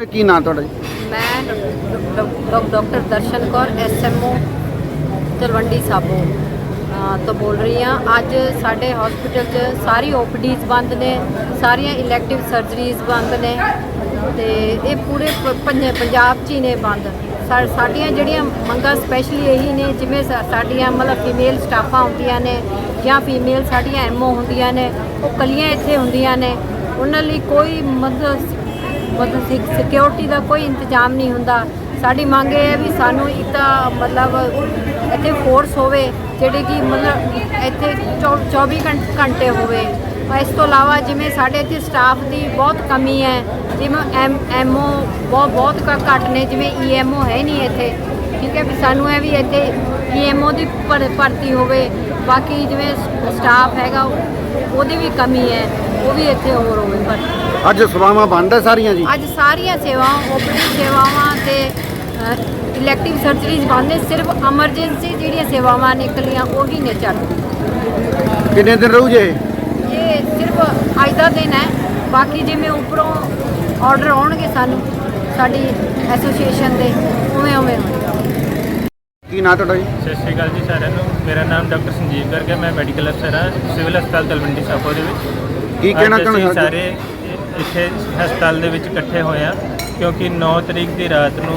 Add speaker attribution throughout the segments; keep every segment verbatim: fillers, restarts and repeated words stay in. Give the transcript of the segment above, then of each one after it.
Speaker 1: ਕੀ ਨਾਂ ਤੁਹਾਡਾ ਜੀ?
Speaker 2: मैं doctor Darshan Kaur S M O Talwandi Sabo तो बोल रही हाँ। अज साढ़े हॉस्पिटल च सारी ओ पी डीज़ बंद ने, सारिया इलैक्टिव सर्जरीज बंद ने, तो ये पूरे पंजाब च ही ने बंद। साड़ियाँ जड़ियाँ मंगा स्पैशली यही ने, जिमें साड़ियाँ मतलब फीमेल स्टाफा होंदियां ने या फीमेल साड़ियाँ एम ओ होंदियां ने, वो कलियाँ इत्थे होंदियां ने, उन्हां लई कोई मतलब मतलब सिक्योरिटी का कोई इंतजाम नहीं होंदा। साड़ी मंग है भी सानू एक तो मतलब इत्थे फोर्स होवे जिहड़ी कि मतलब इत्थे चौबी घंटे होवे। इस तो इलावा जिमें साढ़े इत्थे स्टाफ की बहुत कमी है, जिमें एम एम ओ बहुत बहुत घट ने, जिमें ई एम ओ है नहीं इत्थे, ठीक है भी सानू है भी इत्थे ई एम ओ की भर्ती होवे। बाकी जिमें स्टाफ हैगा ਉਹਦੀ भी कमी है, वो भी इत्थे होर होवे भर्ती।
Speaker 1: ਅੱਜ ਸੇਵਾਵਾਂ ਬੰਦ ਹੈ ਸਾਰੀਆਂ ਜੀ?
Speaker 2: ਅੱਜ ਸਾਰੀਆਂ ਸੇਵਾਵਾਂ ਓਪੀਡੀ ਸੇਵਾਵਾਂ ਤੇ ਇਲੈਕਟਿਵ ਸਰਜਰੀਜ਼ ਬੰਦ ਨੇ, ਸਿਰਫ ਐਮਰਜੈਂਸੀ ਜਿਹੜੀਆਂ ਸੇਵਾਵਾਂ ਨੇ ਇਕੱਲੀਆਂ ਉਹੀ ਨੇ ਚਾਲੂ।
Speaker 1: ਕਿੰਨੇ ਦਿਨ ਰਹੂ ਜੇ?
Speaker 2: ਇਹ ਸਿਰਫ ਅੱਜ ਦਾ ਦਿਨ ਹੈ, ਬਾਕੀ ਜਿਵੇਂ ਉੱਪਰੋਂ ਆਰਡਰ ਆਉਣਗੇ ਸਾਨੂੰ ਸਾਡੀ ਐਸੋਸੀਏਸ਼ਨ ਦੇ ਉਵੇਂ ਉਵੇਂ ਹੋਏਗਾ।
Speaker 1: ਕੀ ਨਾਂ ਤੁਹਾਡਾ ਜੀ?
Speaker 3: ਸਤਿ ਸ਼੍ਰੀ ਅਕਾਲ ਜੀ ਸਾਰਿਆਂ ਨੂੰ। ਮੇਰਾ ਨਾਮ ਡਾਕਟਰ ਸੰਜੀਵ ਗਰਗ ਹੈ। ਮੈਂ ਮੈਡੀਕਲ ਅਫਸਰ ਹਾਂ ਸਿਵਲ ਹਸਪਤਾਲ ਤਲਵੰਡੀ ਸਾਬੋ ਦੇ ਵਿੱਚ।
Speaker 1: ਕੀ ਕਹਿਣਾ
Speaker 3: ਅਸੀਂ
Speaker 1: ਚਾਹੁੰਦੇ
Speaker 3: ਸਾਰੇ ਇੱਥੇ ਹਸਪਤਾਲ ਦੇ ਵਿੱਚ ਇਕੱਠੇ ਹੋਏ ਹਾਂ ਕਿਉਂਕਿ ਨੌ ਤਰੀਕ ਦੀ ਰਾਤ ਨੂੰ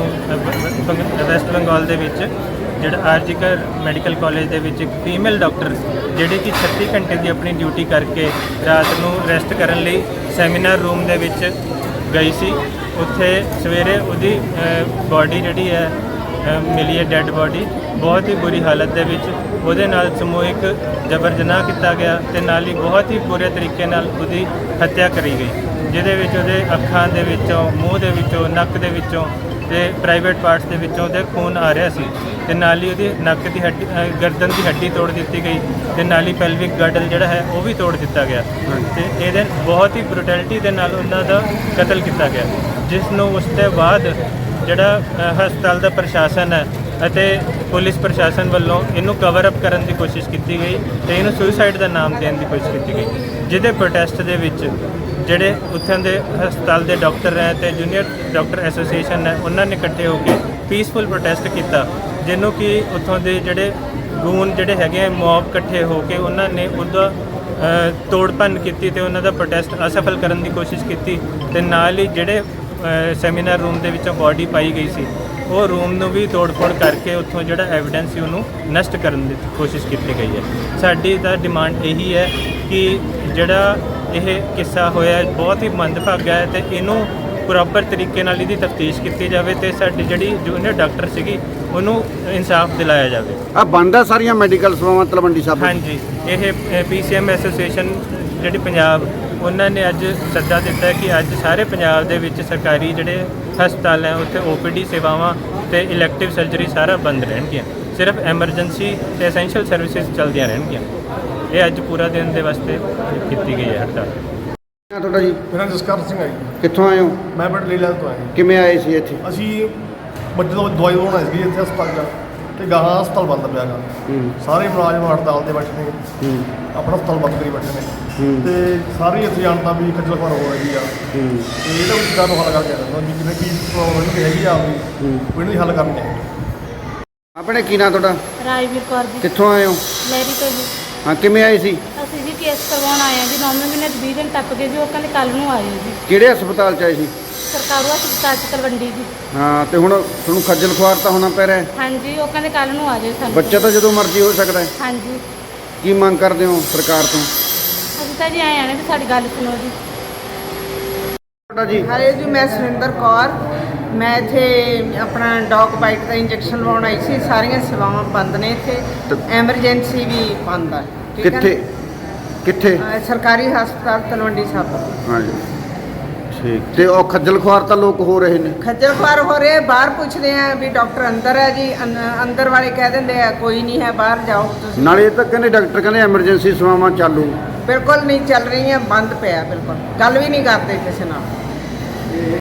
Speaker 3: ਵੈਸਟ ਬੰਗਾਲ ਦੇ ਵਿੱਚ ਜਿਹੜਾ ਆਰਜੀਕਰ ਮੈਡੀਕਲ ਕਾਲਜ ਦੇ ਵਿੱਚ ਇੱਕ ਫੀਮੇਲ ਡਾਕਟਰ ਜਿਹੜੀ ਕਿ ਛੱਤੀ ਘੰਟੇ ਦੀ ਆਪਣੀ ਡਿਊਟੀ ਕਰਕੇ ਰਾਤ ਨੂੰ ਰੈਸਟ ਕਰਨ ਲਈ ਸੈਮੀਨਾਰ ਰੂਮ ਦੇ ਵਿੱਚ ਗਈ ਸੀ। ਉੱਥੇ ਸਵੇਰੇ ਉਹਦੀ ਬਾਡੀ ਜਿਹੜੀ ਹੈ ਮਿਲੀ ਹੈ, ਡੈੱਡ ਬਾਡੀ, ਬਹੁਤ ਹੀ ਬੁਰੀ ਹਾਲਤ ਦੇ ਵਿੱਚ। ਉਹਦੇ ਨਾਲ ਸਮੂਹਿਕ ਜਬਰ ਜਨਾਹ ਕੀਤਾ ਗਿਆ ਅਤੇ ਨਾਲ ਹੀ ਬਹੁਤ ਹੀ ਬੁਰੇ ਤਰੀਕੇ ਨਾਲ ਉਹਦੀ ਹੱਤਿਆ ਕਰੀ ਗਈ, ਜਿਹਦੇ ਵਿੱਚ ਉਹਦੇ ਅੱਖਾਂ ਦੇ ਵਿੱਚੋਂ, ਮੂੰਹ ਦੇ ਵਿੱਚੋਂ, ਨੱਕ ਦੇ ਵਿੱਚੋਂ ਅਤੇ ਪ੍ਰਾਈਵੇਟ ਪਾਰਟਸ ਦੇ ਵਿੱਚੋਂ ਉਹਦੇ ਖੂਨ ਆ ਰਿਹਾ ਸੀ। ਅਤੇ ਨਾਲ ਹੀ ਉਹਦੀ ਨੱਕ ਦੀ ਹੱਡੀ, ਗਰਦਨ ਦੀ ਹੱਡੀ ਤੋੜ ਦਿੱਤੀ ਗਈ ਅਤੇ ਨਾਲ ਹੀ ਪੈਲਵਿਕ ਗਰਡਲ ਜਿਹੜਾ ਹੈ ਉਹ ਵੀ ਤੋੜ ਦਿੱਤਾ ਗਿਆ। ਅਤੇ ਇਹਦੇ ਬਹੁਤ ਹੀ ਬਰੂਟੈਲਿਟੀ ਦੇ ਨਾਲ ਉਹਨਾਂ ਦਾ ਕਤਲ ਕੀਤਾ ਗਿਆ, ਜਿਸ ਨੂੰ ਉਸ ਤੋਂ ਬਾਅਦ ਜਿਹੜਾ ਹਸਪਤਾਲ ਦਾ ਪ੍ਰਸ਼ਾਸਨ ਹੈ ਅਤੇ ਪੁਲਿਸ ਪ੍ਰਸ਼ਾਸਨ ਵੱਲੋਂ ਇਹਨੂੰ ਕਵਰ ਅਪ ਕਰਨ ਦੀ ਕੋਸ਼ਿਸ਼ ਕੀਤੀ ਗਈ ਅਤੇ ਇਹਨੂੰ ਸੁਸਾਈਡ ਦਾ ਨਾਮ ਦੇਣ ਦੀ ਕੋਸ਼ਿਸ਼ ਕੀਤੀ ਗਈ, ਜਿਹਦੇ ਪ੍ਰੋਟੈਸਟ ਦੇ ਵਿੱਚ ਜਿਹੜੇ ਉੱਥੋਂ ਦੇ ਹਸਪਤਾਲ ਦੇ ਡਾਕਟਰ ਹੈ ਅਤੇ ਜੂਨੀਅਰ ਡਾਕਟਰ ਐਸੋਸੀਏਸ਼ਨ ਹੈ, ਉਹਨਾਂ ਨੇ ਇਕੱਠੇ ਹੋ ਕੇ ਪੀਸਫੁਲ ਪ੍ਰੋਟੈਸਟ ਕੀਤਾ, ਜਿਹਨੂੰ ਕਿ ਉੱਥੋਂ ਦੇ ਜਿਹੜੇ ਗੂਨ ਜਿਹੜੇ ਹੈਗੇ ਮੌਬ ਇਕੱਠੇ ਹੋ ਕੇ ਉਹਨਾਂ ਨੇ ਉਹਦਾ ਤੋੜ ਭੰਨ ਕੀਤੀ ਅਤੇ ਉਹਨਾਂ ਦਾ ਪ੍ਰੋਟੈਸਟ ਅਸਫਲ ਕਰਨ ਦੀ ਕੋਸ਼ਿਸ਼ ਕੀਤੀ। ਅਤੇ ਨਾਲ ਹੀ ਜਿਹੜੇ ਸੈਮੀਨਾਰ ਰੂਮ ਦੇ ਵਿੱਚੋਂ ਬਾਡੀ ਪਾਈ ਗਈ ਸੀ, ਉਹ ਰੂਮ ਨੂੰ ਵੀ ਤੋੜ ਫੋੜ ਕਰਕੇ ਉੱਥੋਂ ਜਿਹੜਾ ਐਵੀਡੈਂਸ ਸੀ ਉਹਨੂੰ ਨਸ਼ਟ ਕਰਨ ਦੀ ਕੋਸ਼ਿਸ਼ ਕੀਤੀ ਗਈ ਹੈ। ਸਾਡੀ ਤਾਂ ਡਿਮਾਂਡ ਇਹੀ ਹੈ ਕਿ ਜਿਹੜਾ ਇਹ ਕਿੱਸਾ ਹੋਇਆ ਬਹੁਤ ਹੀ ਮੰਦਭਾਗਾ ਹੈ ਅਤੇ ਇਹਨੂੰ ਪ੍ਰੋਪਰ ਤਰੀਕੇ ਨਾਲ ਇਹਦੀ ਤਫਤੀਸ਼ ਕੀਤੀ ਜਾਵੇ ਅਤੇ ਸਾਡੀ ਜਿਹੜੀ ਜੂਨੀਅਰ ਡਾਕਟਰ ਸੀਗੀ ਉਹਨੂੰ ਇਨਸਾਫ ਦਿਲਾਇਆ ਜਾਵੇ।
Speaker 1: ਆ ਬੰਦ ਹੈ ਸਾਰੀਆਂ ਮੈਡੀਕਲ ਸੇਵਾਵਾਂ ਤਲਵੰਡੀ ਸਾਬੋ?
Speaker 3: ਹਾਂਜੀ, ਇਹ ਪੀ ਸੀ ਐਮ ਐਸੋਸੀਏਸ਼ਨ ਜਿਹੜੀ ਪੰਜਾਬ, ਉਹਨਾਂ ਨੇ ਅੱਜ ਸੱਦਾ ਦਿੱਤਾ ਕਿ ਅੱਜ ਸਾਰੇ ਪੰਜਾਬ ਦੇ ਵਿੱਚ ਸਰਕਾਰੀ ਜਿਹੜੇ ਹਸਪਤਾਲ ਹੈ ਉੱਥੇ ਓ ਪੀ ਡੀ ਸੇਵਾਵਾਂ ਅਤੇ ਇਲੈਕਟਿਵ ਸਰਜਰੀ ਸਾਰਾ ਬੰਦ ਰਹਿਣਗੀਆਂ, ਸਿਰਫ ਐਮਰਜੈਂਸੀ ਅਤੇ ਐਸੈਂਸ਼ੀਅਲ ਸਰਵਿਸਿਜ਼ ਚੱਲਦੀਆਂ ਰਹਿਣਗੀਆਂ। ਇਹ ਅੱਜ ਪੂਰਾ ਦਿਨ ਦੇ ਵਾਸਤੇ ਕੀਤੀ ਗਈ ਹੈ ਹੜਤਾਲ।
Speaker 1: ਤੁਹਾਡਾ ਜੀ?
Speaker 4: ਮੇਰਾ ਜਸਕਰ ਸਿੰਘ ਹੈ ਜੀ।
Speaker 1: ਕਿੱਥੋਂ ਆਏ ਹੋ?
Speaker 4: ਮੈਂ ਪਿੰਡ ਲੀਲਾ ਤੋਂ ਆਇਆ।
Speaker 1: ਕਿਵੇਂ ਆਏ ਸੀ ਇੱਥੇ?
Speaker 4: ਅਸੀਂ ਬੱਚੇ ਤੋਂ ਦਵਾਈ ਲਵਾਉਣ ਆਏ ਸੀ ਇੱਥੇ ਹਸਪਤਾਲ 'ਚ, ਅਤੇ ਗਾਹਾਂ ਹਸਪਤਾਲ ਬੰਦ ਪਿਆ ਗਾ। ਸਾਰੇ ਮੁਲਾਜ਼ਮ ਹੜਤਾਲ 'ਤੇ ਬੈਠੇ ਨੇ, ਆਪਣਾ ਹਸਪਤਾਲ ਬੰਦ ਕਰੀ ਬੈਠੇ ਨੇ, ਅਤੇ ਸਾਰੀ ਇੱਥੇ ਜਾਣਦਾ ਵੀ ਖੱਜਲ ਖੁਆਰ ਹੋ ਰਹੀ ਆ। ਅਤੇ ਇਹਦਾ ਵੀ ਚੀਜ਼ਾਂ ਨੂੰ ਹੱਲ ਕਰਕੇ ਆਉਂਦਾ ਵੀ ਕਿਵੇਂ ਕੀ ਪ੍ਰੋਬਲਮ ਹੈਗੀ ਆ ਆਪਣੀ, ਇਹਨੂੰ ਵੀ ਹੱਲ ਕਰਨੀ ਹੈ।
Speaker 1: ਆਪਣੇ ਕੀ ਨਾਂ ਤੁਹਾਡਾ?
Speaker 5: ਰਾਜਵੀਰ ਕੌਰ ਜੀ।
Speaker 1: ਕਿੱਥੋਂ ਆਏ ਹੋ?
Speaker 5: ਲੈਰੀ ਤੋਂ ਜੀ।
Speaker 1: ਹਾਂ, ਕਿਵੇਂ ਆਏ ਸੀ?
Speaker 5: ਅਸੀਂ ਜੀ ਕੇਸ ਕਰਵਾਉਣ ਆਏ ਹਾਂ ਜੀ, ਨੌਵੇਂ ਮਹੀਨੇ ਦੇ ਵੀਹ ਦਿਨ ਟੱਪ ਗਏ ਜੀ, ਉਹ ਕਹਿੰਦੇ ਕੱਲ੍ਹ ਨੂੰ ਆਇਓ ਜੀ।
Speaker 1: ਕਿਹੜੇ ਹਸਪਤਾਲ 'ਚ ਆਏ ਸੀ?
Speaker 5: ਸਰਕਾਰੂ ਹਸਪਤਾਲ 'ਚ ਤਲਵੰਡੀ ਜੀ।
Speaker 1: ਹਾਂ, ਤੇ ਹੁਣ ਤੁਹਾਨੂੰ ਖੱਜਲ ਖੁਆਰ ਤਾਂ ਹੋਣਾ ਪੈ ਰਿਹਾ?
Speaker 5: ਹਾਂਜੀ, ਉਹ ਕਹਿੰਦੇ ਕੱਲ੍ਹ ਨੂੰ ਆ ਜਾਓ ਸਾਨੂੰ।
Speaker 1: ਬੱਚਾ ਤਾਂ ਜਦੋਂ ਮਰਜ਼ੀ ਹੋ ਸਕਦਾ ਹੈ।
Speaker 5: ਹਾਂਜੀ।
Speaker 1: ਕੀ ਮੰਗ ਕਰਦੇ ਹੋ ਸਰਕਾਰ ਤੋਂ?
Speaker 5: ਅਸੀਂ ਤਾਂ ਜੀ ਆਏ ਆਣੇ ਵੀ ਸਾਡੀ ਗੱਲ ਸੁਣੋ ਜੀ।
Speaker 1: ਤੁਹਾਡਾ ਜੀ?
Speaker 6: ਹਰੇ ਜੀ, ਮੈਂ ਸੁਰਿੰਦਰ ਕੌਰ। ਮੈਂ ਇੱਥੇ ਆਪਣਾ ਡੌਗ ਬਾਈਟ ਦਾ ਇੰਜੈਕਸ਼ਨ ਲਵਾਉਣ ਆਈ ਸੀ। ਸਾਰੀਆਂ ਸੇਵਾਵਾਂ ਬੰਦ ਨੇ ਇੱਥੇ, ਐਮਰਜੈਂਸੀ ਵੀ ਬੰਦ ਹੈ।
Speaker 1: ਕਿੱਥੇ ਕਿੱਥੇ?
Speaker 6: ਸਰਕਾਰੀ ਹਸਪਤਾਲ ਤਲਵੰਡੀ ਸਾਬੋ।
Speaker 1: ਹਾਂਜੀ, ਠੀਕ। ਤੇ ਉਹ ਖੱਜਲ ਖੁਆਰ ਤਾਂ ਲੋਕ ਹੋ ਰਹੇ ਨੇ?
Speaker 6: ਖੱਜਲ ਖੁਆਰ ਹੋ ਰਹੇ, ਬਾਹਰ ਪੁੱਛਦੇ ਆ ਵੀ ਡਾਕਟਰ ਅੰਦਰ ਹੈ ਜੀ, ਅੰਦਰ ਵਾਲੇ ਕਹਿ ਦਿੰਦੇ ਆ ਕੋਈ ਨਹੀਂ ਹੈ, ਬਾਹਰ ਜਾਓ ਤੁਸੀਂ।
Speaker 1: ਨਾਲੇ ਇਹ ਤਾਂ ਕਹਿੰਦੇ ਡਾਕਟਰ ਕਹਿੰਦੇ ਐਮਰਜੈਂਸੀ ਸੇਵਾਵਾਂ ਚਾਲੂ।
Speaker 6: ਬਿਲਕੁਲ ਨਹੀਂ ਚੱਲ ਰਹੀਆਂ, ਬੰਦ ਪਿਆ ਬਿਲਕੁਲ, ਗੱਲ ਵੀ ਨਹੀਂ ਕਰਦੇ ਕਿਸੇ ਨਾਲ।